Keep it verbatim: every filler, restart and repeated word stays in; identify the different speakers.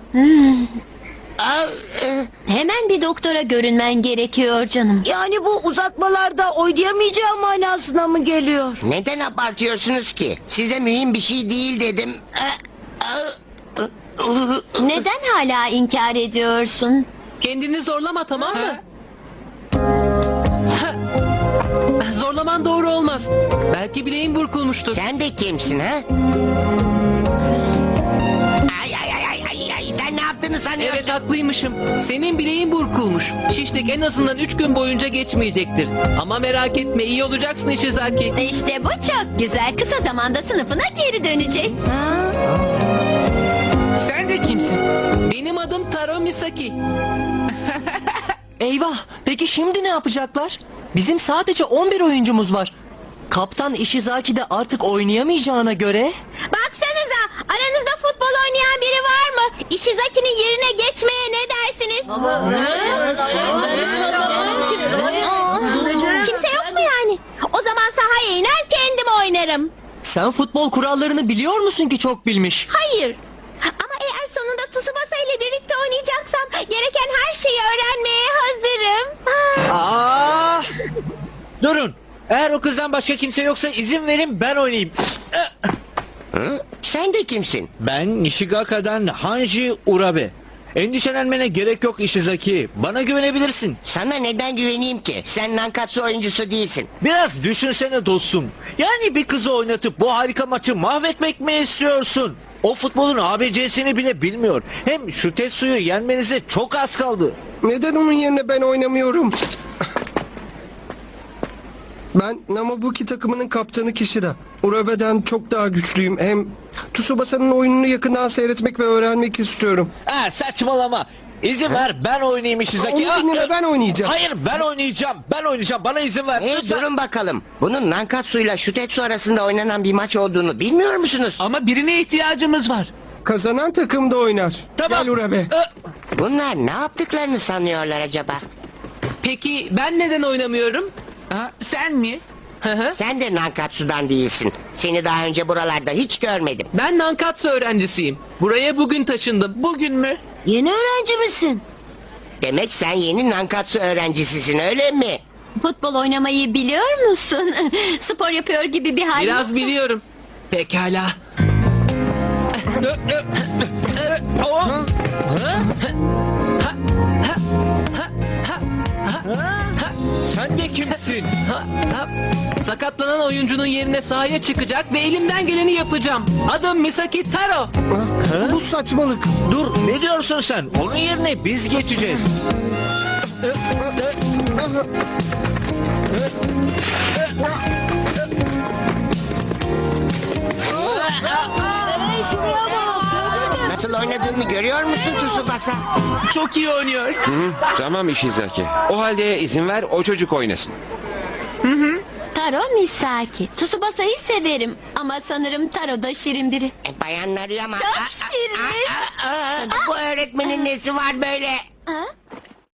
Speaker 1: Hemen bir doktora görünmen gerekiyor canım.
Speaker 2: Yani bu uzatmalarda oynayamayacağım manasına mı geliyor?
Speaker 3: Neden abartıyorsunuz ki? Size mühim bir şey değil dedim.
Speaker 1: Neden hala inkar ediyorsun?
Speaker 4: Kendini zorlama, tamam mı? Zorlaman doğru olmaz. Belki bileğin burkulmuştur.
Speaker 3: Sen de kimsin ha? Ay ay ay ay ay ay sen ne yaptığını sanıyorsun?
Speaker 4: Evet, haklıymışım. Senin bileğin burkulmuş. Şişlik en azından üç gün boyunca geçmeyecektir. Ama merak etme, iyi olacaksın Ishizaki.
Speaker 1: İşte bu çok güzel. Kısa zamanda sınıfına geri dönecek.
Speaker 4: Sen de kimsin? Benim adım Taro Misaki.
Speaker 5: Eyvah! Peki şimdi ne yapacaklar? Bizim sadece on bir oyuncumuz var. Kaptan Ishizaki de artık oynayamayacağına göre...
Speaker 1: Baksanıza, aranızda futbol oynayan biri var mı? Ishizaki'nin yerine geçmeye ne dersiniz? Aa, kimse yok mu yani? O zaman sahaya iner kendim oynarım.
Speaker 5: Sen futbol kurallarını biliyor musun ki çok bilmiş?
Speaker 1: Hayır. Ama eğer sonunda Tsubasa ile birlikte oynayacaksam gereken her şeyi öğrenmeye hazırım.
Speaker 6: Aa! Durun. Eğer o kızdan başka kimse yoksa izin verin ben oynayayım.
Speaker 3: Hı? Sen de kimsin?
Speaker 6: Ben Nishigaka'dan Hanji Urabe. Endişelenmene gerek yok Ishizaki. Bana güvenebilirsin.
Speaker 3: Sana neden güveneyim ki? Sen Nankatsu oyuncusu değilsin.
Speaker 6: Biraz düşünsene dostum. Yani bir kızı oynatıp bu harika maçı mahvetmek mi istiyorsun? O futbolun A B C'sini bile bilmiyor. Hem şu Tetsu'yu yenmenize çok az kaldı.
Speaker 7: Neden onun yerine ben oynamıyorum? Ben Namabuki takımının kaptanı Kishida. Urabe'den çok daha güçlüyüm. Hem Tsubasa'nın oyununu yakından seyretmek ve öğrenmek istiyorum.
Speaker 6: Ha, saçmalama. İzin ver ben oynayayım Ishizaki.
Speaker 7: Onun yerine
Speaker 6: Ah,
Speaker 7: ben oynayacağım.
Speaker 6: Hayır ben oynayacağım. Ben oynayacağım. Bana izin ver.
Speaker 3: Hey
Speaker 6: Lütfen.
Speaker 3: durun bakalım. Bunun Nankatsu ile Shutetsu arasında oynanan bir maç olduğunu bilmiyor musunuz?
Speaker 4: Ama birine ihtiyacımız var.
Speaker 7: Kazanan takım da oynar.
Speaker 6: Tamam.
Speaker 7: Gel Urabe.
Speaker 6: Ah,
Speaker 3: Bunlar ne yaptıklarını sanıyorlar acaba?
Speaker 4: Peki ben neden oynamıyorum? Ha, sen mi? Hı hı.
Speaker 3: Sen de Nankatsu'dan değilsin. Seni daha önce buralarda hiç görmedim.
Speaker 4: Ben Nankatsu öğrencisiyim. Buraya bugün taşındım. Bugün mü?
Speaker 2: Yeni öğrenci misin?
Speaker 3: Demek sen yeni Nankatsu öğrencisisin öyle mi?
Speaker 1: Futbol oynamayı biliyor musun? Spor yapıyor gibi bir hal.
Speaker 4: Biraz biliyorum. Pekala.
Speaker 6: oh. Sen de kimsin?
Speaker 4: Ha, ha. Sakatlanan oyuncunun yerine sahaya çıkacak ve elimden geleni yapacağım. Adım Misaki Taro.
Speaker 7: Bu saçmalık.
Speaker 6: Dur ne diyorsun sen? Onun yerine biz geçeceğiz.
Speaker 3: Nasıl oynadığını görüyor musun Tsubasa?
Speaker 4: Çok iyi oynuyor.
Speaker 8: Tamam Ishizaki. O halde izin ver o çocuk oynasın.
Speaker 1: Taro Misaki. Tsubasa'yı severim ama sanırım Taro da şirin biri.
Speaker 3: E, bayanları ama...
Speaker 1: Çok şirin.
Speaker 3: Aa, aa, aa, bu öğretmenin nesi var böyle?
Speaker 1: Ha?